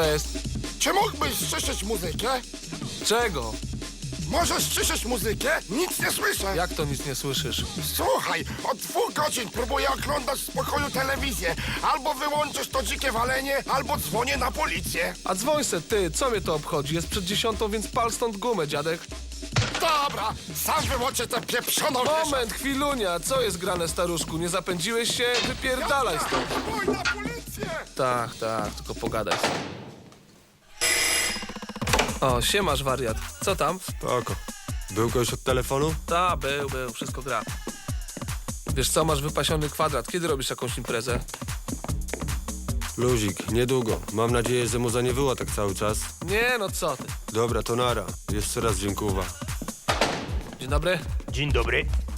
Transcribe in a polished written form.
jest? Czy mógłbyś ściszyć muzykę? Czego? Możesz ściszyć muzykę? Nic nie słyszę. Jak to nic nie słyszysz? Słuchaj, od 2 godzin próbuję oglądać w spokoju telewizję. Albo wyłączysz to dzikie walenie, albo dzwonię na policję. A dzwoń se, ty, co mnie to obchodzi? Jest przed 10, więc pal stąd gumę, dziadek. Dobra, sam wyłączę tę pieprzoną Moment, chwilunia, co jest grane, staruszku? Nie zapędziłeś się? Wypierdalaj stąd. Dzwoń na policję! Tak, tylko pogadaj. O, siemasz, wariat. Co tam? Spoko. Był ktoś od telefonu? Ta, był, wszystko gra. Wiesz co, masz wypasiony kwadrat. Kiedy robisz jakąś imprezę? Luzik, niedługo. Mam nadzieję, że muza nie wyła tak cały czas. Nie, no co ty. Dobra, to nara. Jeszcze raz dziękuję. Dzień dobry. Dzień dobry.